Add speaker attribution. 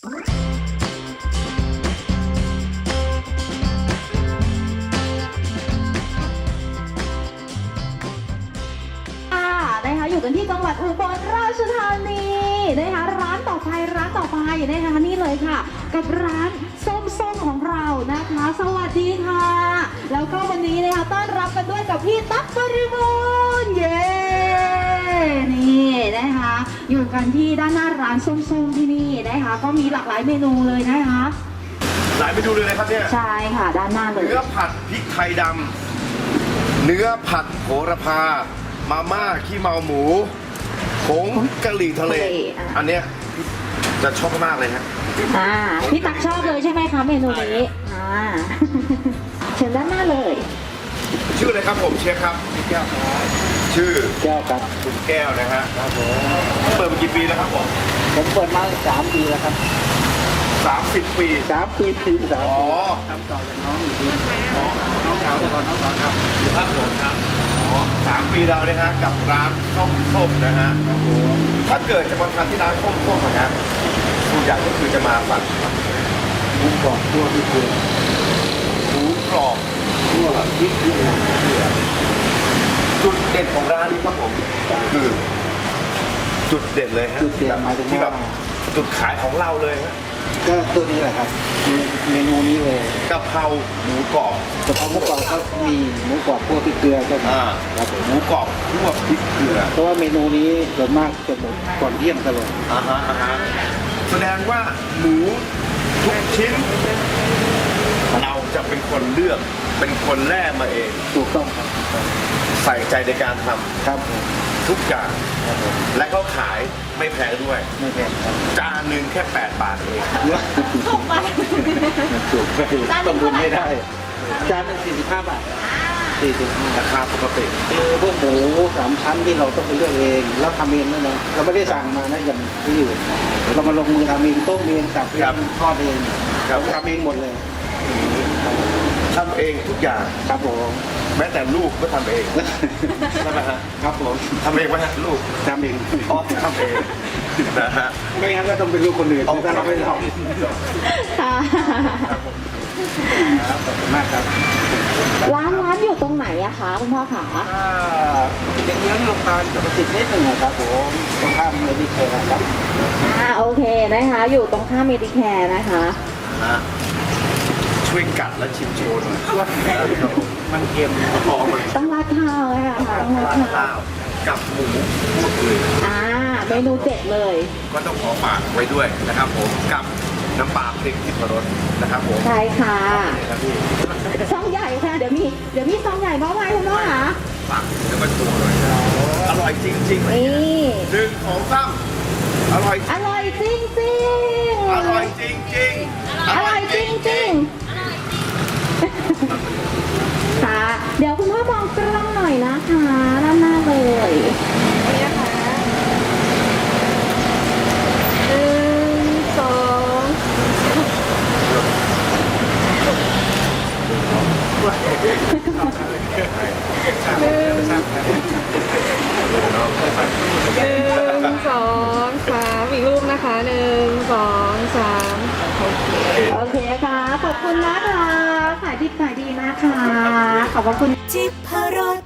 Speaker 1: นะคะอยู่กันที่จังหวัดอุบลราชธานีนะคะร้านต่อไปนะคะนี่เลยค่ะกับร้านส้มของเรานะคะสวัสดีค่ะแล้วก็วันนี้นะคะต้อนรับกันด้วยกับพี่ตั๊กบริบูรณ์เย้นี่นะคะอยู่กันที่ด้านหน้าร้านส้มที่นี่นะคะก็มีหลากหลายเมนูเลยนะคะ
Speaker 2: หลายเมนูเลยนะครับเนี่ย
Speaker 1: ใช่ค่ะด้านหน้าเลย
Speaker 2: เนื้อผัดพริกไทยดำเนื้อผัดโหระพามาม่าขี้เมาหมูผงกะหรี่ทะเลอันเนี้ยจะชอบมากเลยฮะ
Speaker 1: พี่ตักชอบเลยใช่ไหมคะเมนูนี้เชิญด้านหน้าเลย
Speaker 2: ชื่ออะไรครับผมเชฟครับแก้วครับชื่อ
Speaker 3: แก้วครับ
Speaker 2: คุณแก้วนะฮะครับผมเปิดมากี่ปีแล้วครับผม
Speaker 3: เปิดมา3 ปีแล้วครับ
Speaker 2: 30 ปี
Speaker 3: 3 ปี
Speaker 2: อ๋อ
Speaker 3: ทำต่อจากน้องอยู่ที่น้องสาวแต่ก่อนน้องสาวครับ
Speaker 2: ครับผมครับ3 ปีแล้วนะฮะกับร้านส้มนะฮะถ้าเกิดจะมาทานที่ร้านส้มนะฮะทุกอย่างก็คือจะมาสั่ง
Speaker 3: หมูกรอบคั่วพริกเกลือ
Speaker 2: หมูกรอบ
Speaker 3: คั่วพริกเกลือ
Speaker 2: จุดเด่นของร้านนี้ครับผมคือจุดเด่นเลยฮะ
Speaker 3: จุดเด่นหมายถึง
Speaker 2: ที่แบบจุดขายของเราเลยฮะ
Speaker 3: ก็ตัวนี้แหละครับเมนูนี้เลย
Speaker 2: กะเพราหมูกรอบ
Speaker 3: กะเพราหมูกรอบก็มีหมูกรอบคั่วพริกเกลือก็มี
Speaker 2: ครับผมหมูกรอบคั่วพริกเกลือ
Speaker 3: เพราะว่าเมนูนี้ส่วนมากจะหมดก่อนเที่ยงตลอด
Speaker 2: แสดงว่าหมูทุกชิ้นเราจะเป็นคนเลือกเป็นคนแล่มาเอง
Speaker 3: ถูกต้องครับ
Speaker 2: ใส่ใจในการทำ
Speaker 3: ครับ
Speaker 2: ทุกอย่างและเขาขายไม่แพงด้วย
Speaker 3: ไม่แพงครับ
Speaker 2: จานหนึ่งแค่8 บาทเอง
Speaker 1: ถูกไป
Speaker 3: ถูกไปต้องบุญไม่ได้จานหนึ่ง45 บาท
Speaker 2: ราคาปกติ
Speaker 3: พวกหมู3 ชั้นที่เราต้องไปเลือกเองแล้วทำเองด้วยนะเราไม่ได้สั่งมานะอย่างที่อื่นเรามาลงมือทำเองต้มเองสับเองทอดเองเราทำเองหมดเลย
Speaker 2: ทำเองทุกอย่าง
Speaker 3: ครับผม
Speaker 2: แม้แต่ลูกก็ทำเองใช่ไหมฮะ
Speaker 3: ครับผม
Speaker 2: ทำเองไหมฮะลูก
Speaker 3: ทำเอง
Speaker 2: ทำเองนะฮะ
Speaker 3: ไม่งั้นก็ต้องเป็นลูกคนอื่นถ้าเราไม่ทำ
Speaker 1: ค่ะ
Speaker 3: ขอบคุณมากครับ
Speaker 1: ร้านอยู่ตรงไหนอะคะคุณพ่อขา
Speaker 3: เด็กเลี้ยงโรงพยาบาลจะมาติดนิดหนึ่งครับผมตรงข้ามเมดิแคร์ครับ
Speaker 1: โอเคนะคะอยู่ตรงข้ามเมดิแคร์นะคะ
Speaker 2: ช่วยกัดและชิมโชว์หน่อย
Speaker 3: มันเค็ม
Speaker 1: ต้องราดข้าวเลยค่ะต้องราดข้าว
Speaker 2: กับหมูคั่วเกลือ
Speaker 1: เมนูเด็ดเลย
Speaker 2: ก็ต้องขอฝากไว้ด้วยนะครับผมกับน้ำปลาพริกทิพรสนะครับผม
Speaker 1: ใช่ค่ะซองใหญ่ค่ะเดี๋ยวมีซองใหญ่มาไว้คุณพ่อคะ
Speaker 2: ฝากเดี๋ยวมาโชว์หน่อยอร่อยจริงๆ
Speaker 1: นี่
Speaker 2: 1 2 3อร่อย
Speaker 1: จริง
Speaker 2: อร่อยจริง
Speaker 1: ค่ะเดี๋ยวคุณพ่อมองกล้องหน่อยนะคะด้านหน้าเลยนี่นะคะ1 2
Speaker 4: อีกรูปนะคะ1 2 3
Speaker 1: โอเคค่ะขอบคุณนะคะขายดีมากค่ะขอบคุณ
Speaker 5: จิพรส